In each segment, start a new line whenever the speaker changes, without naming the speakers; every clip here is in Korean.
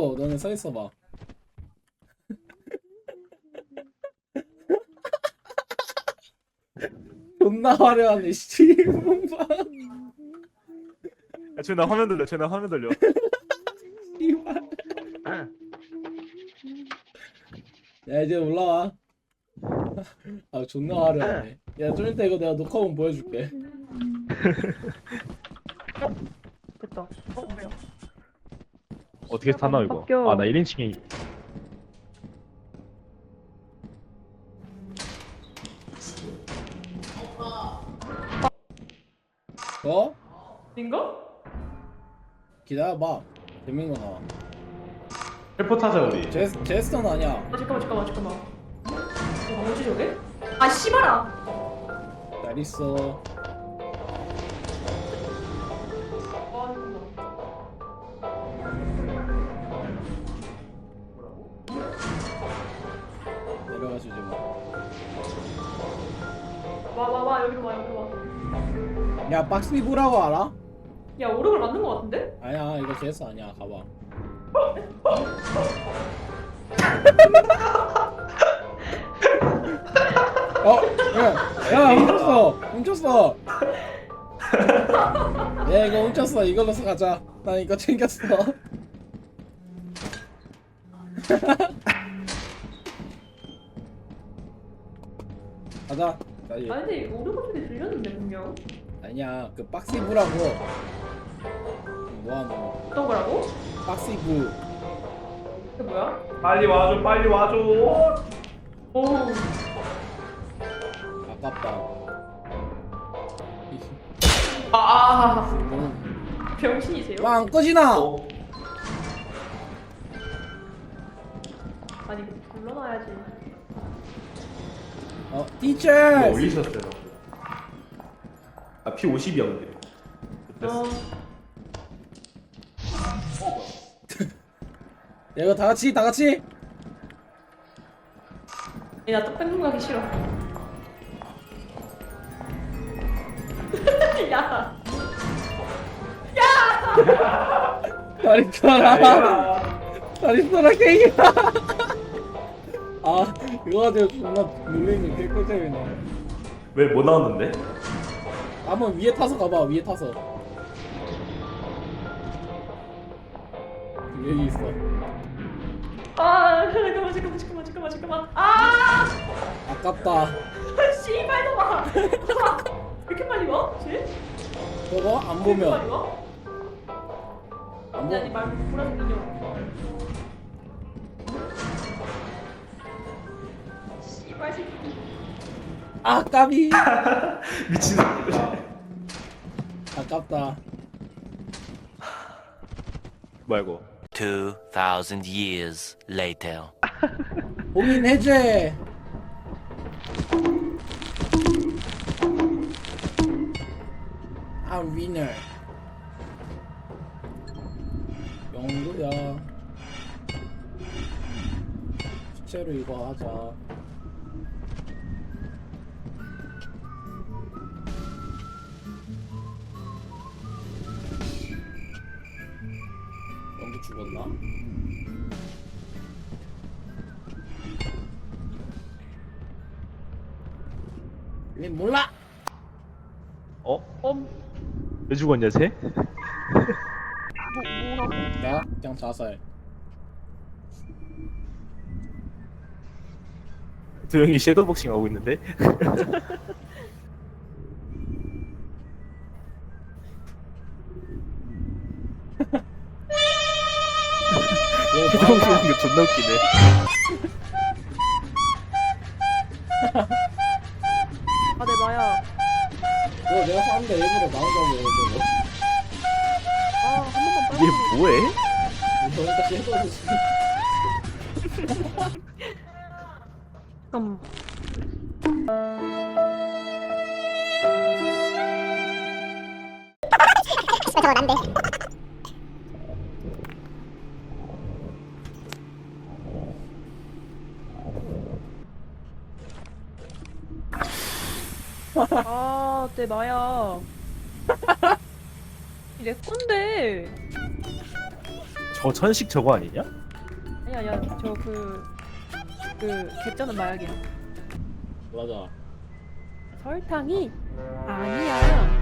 있어. 너네 서 있어봐. 존나 화려하네 씨발.
야, 쟤나 화면 돌려. 쟤나 화면 돌려.
씨발. 야 이제 올라와. 아 존나 화려하네. 야 좀 이따 이거 내가 녹화본 보여줄게.
됐다. 뭐야?
어떻게 타나 이거?
바뀌어.
아, 나 1인칭이.
어?
인가?
기다려봐. 재밌는 거 나와.
헬퍼 타자 우리.
제스턴 아니야.
아 잠깐만. 뭐지 저게? 아 씨발아.
잘 있어. 내려가시지 뭐.
와 여기로 와.
야 박스비브라고 알아?
야 오르골 맞는 거 같은데?
아니야 이거 제스 아니야. 가봐. 야 훔쳤어. 야 이거 훔쳤어. 이걸로 가자. 난 이거 챙겼어. 가자. 빨리.
아니 근데 오르골 소리 들렸는데 분명.
아니야 그 박스비브라고. 뭐하노?
어떤 거라고?
박스비브.
그게 뭐야?
빨리 와줘.
오.
아깝다.
병신이세요?
와 안 꺼지나?
어.
아니 불러놔야지.
티처.
이거 올리셨어요. 아 P50이었는데. 됐어.
야 이거 다 같이.
나 떡볶이 가기 싫어. 야.
다리 써라 게임이야. 아 이거 가지고 존나 놀리는 게 꿀잼이네.
왜 못 나왔는데?
한번 위에 타서 가봐. 위에 타서. 여기 있어.
아 잠깐만. 아
아깝다.
씨발 놈아. 왜 이렇게 빨리 와? 쟤?
저거 안
왜 이렇게 빨리
보면
와? 아니 말고 보라색 인형. 씨발 새끼.
아 까비.
미친.
아깝다.
뭐야 이거?
2,000 years later.
봉인 해제. I'm winner. 영구야. 실제로 이거 하자. 영구 죽었나? 왜 몰라?
왜 죽었냐 쟤?
나 그냥 자살.
조용히 섀도우복싱 하고 있는데? 섀도우복싱 하는 게 존나 웃기네.
아 내 마야.
이거 내가 쐈는데 일부러 나오자고 이거.
아한 번만 빨리.
이게 뭐해?
이거 일단 섀도우
잠깐만.
저거 난데.
아, 내 마야. 내 건데.
저 천식 저거 아니냐?
아니야 저 개쩌는 마약이야.
맞아.
설탕이 아니야.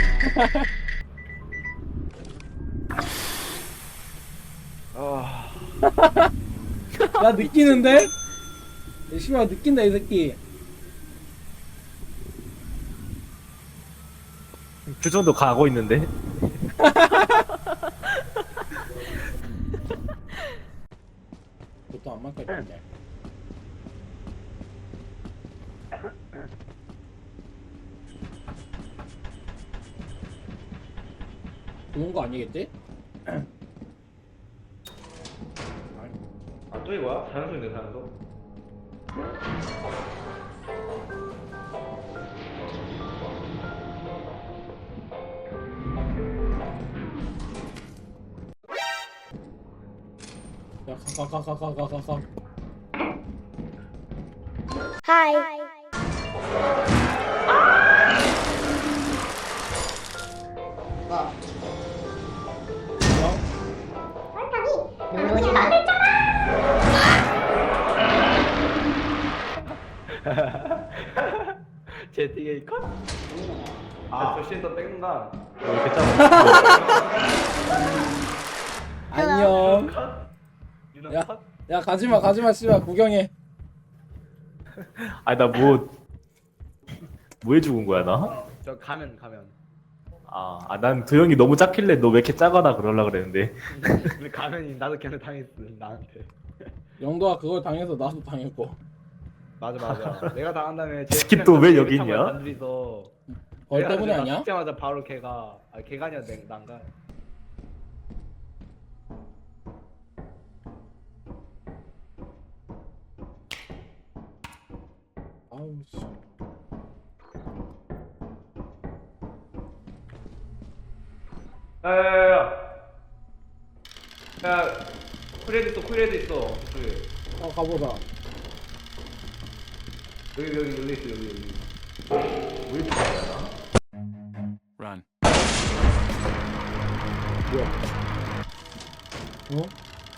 나 느끼는데? 이 씨발 느낀다 이 새끼.
그 정도 가고 있는데.
그것도 안 맞을 텐데. 그런 거 아니겠지?
아 또 이거야? 사연소인데 사연소?
야, 가.
제티게이 컷? 아 조시에서 뺏는다.
왜 이렇게 짜고?
안녕.
컷? 유나
야.
컷?
야, 가지마, 씨발 구경해.
아니 나 뭐 해 죽은 거야 나?
저 가면
난 도영이 너무 작길래 너 왜 이렇게 작아나 그러려 그랬는데.
근데 가면이 나도 걔한테 당했어 나한테.
영도가 그걸 당해서 나도 당했고.
맞아 내가 당한 다음에
스킵 또왜 여기 있냐?
단둘이서
벌 때문에 아니야?
죽자마자 바로 걔가 아니야 난가.
아우 씨.
야 쿠레드 있어 저쪽에.
가보자.
여기 있어 여기.
Run.
어?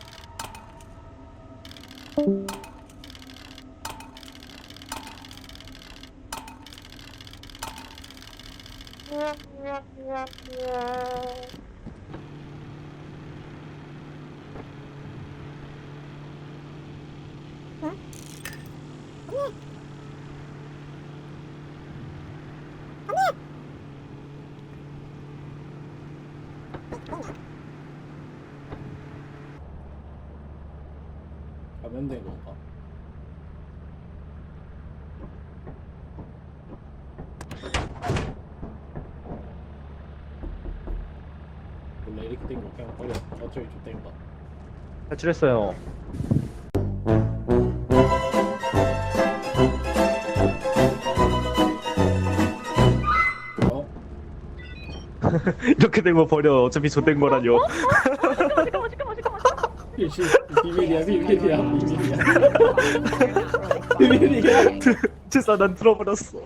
가면 된 건가? 원래 이렇게 된 거 그냥 버려. 어차피 좋된 거.
탈출했어요.
어?
이렇게 된 거 버려. 어차피 좆된 거라뇨.
잠깐만.
비밀이야. 비밀이야.
진짜 난 들어버렸어.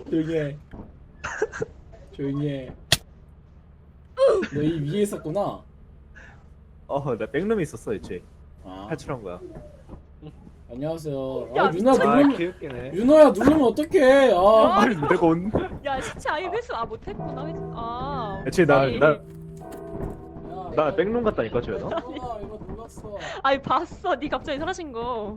조용히 해. 너 이 위에 있었구나.
나 백룸이 있었어 애초에.
아,
탈출한 거야.
안녕하세요.
야,
윤아 누르면
개웃기네.
윤아야 누르면 어떡해? 아,
아니 내가 온.
야 시체 아예 회수 못했구나 회수.
애초에
아니.
나
야,
백룸 갔다니까 조연아.
이거 눌렀어.
아니 봤어 니 갑자기 사라진 거.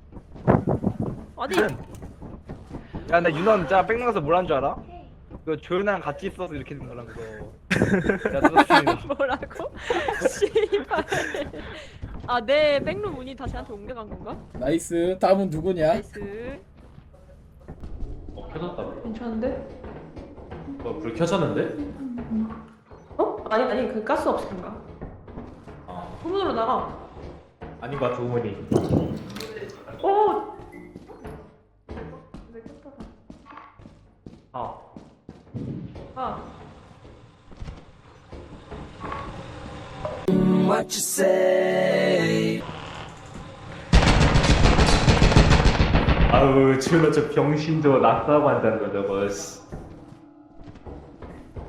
아니
야 근데 윤원 진짜 뺑 나가서 뭘 한 줄 알아? 그 조연아랑 같이 있어서 이렇게 된 거란 거. 야 그렇지.
뭐라고? 씨발. 내 백룸 문이 다시 한테 옮겨간 건가?
나이스. 다음은 누구냐?
나이스.
켜졌다.
괜찮은데?
불 켜졌는데?
어? 아니 그 가스 없앤가? 후문으로 나가.
아닌 것 같아 우문이.
오. 아.
아우 조연아 저 병신 저거 낙사하고 한다는 거 저거.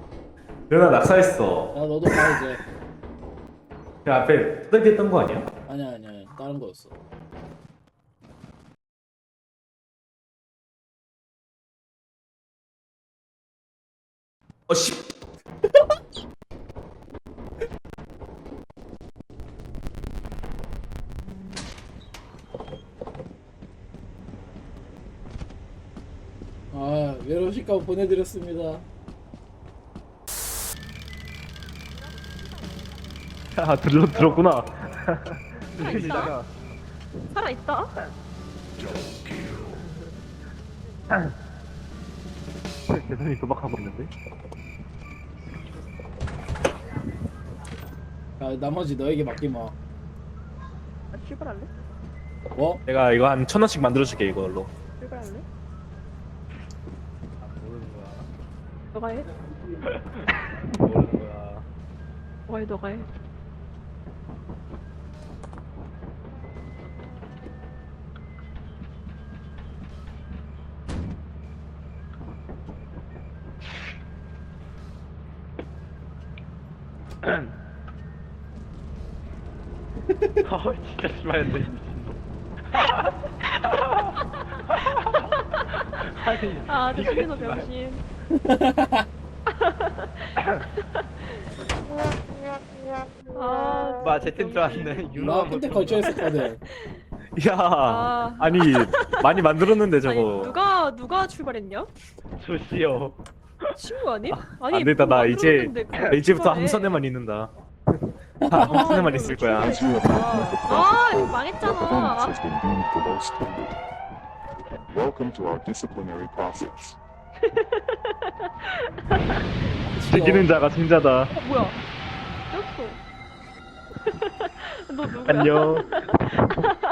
조연아 낙사했어.
야 너도 가 이제.
그 앞에 뚜덕했던 거 아니야?
아니야 다른 거였어.
씨.
아 외로우실까 보내드렸습니다.
아 들었구나.
이따가
살아있다.
대선이 도박하고 있는데.
야 나머지 너에게 맡기마.
아, 출발할래?
뭐?
내가 이거 한 1,000원씩 만들어줄게 이걸로.
출발할래?
모르는 거야.
너가 해.
모르는 거야.
너가 해, 너가 해.
진짜 심하는데. 아니,
아, 저
이거
신민호
씨발.
병신. 아,
제텐 줄 알았네.
나 끝에 걸쳐 있었거든.
야,
아.
아니 많이 만들었는데
아니,
저거.
누가 출발했냐?
조시오.
친구 아님? 아니,
안 되겠다.
뭐
나 이제
만들었는데 그걸
나 이제부터
출발해.
함선에만 있는다. 함선에만 있을 거야.
아, 이거 망했잖아.
has been deemed the most tender. Welcome to our disciplinary process.
즐기는 자가 승자다.
뭐야? 꼈어. 너 누구야?
안녕.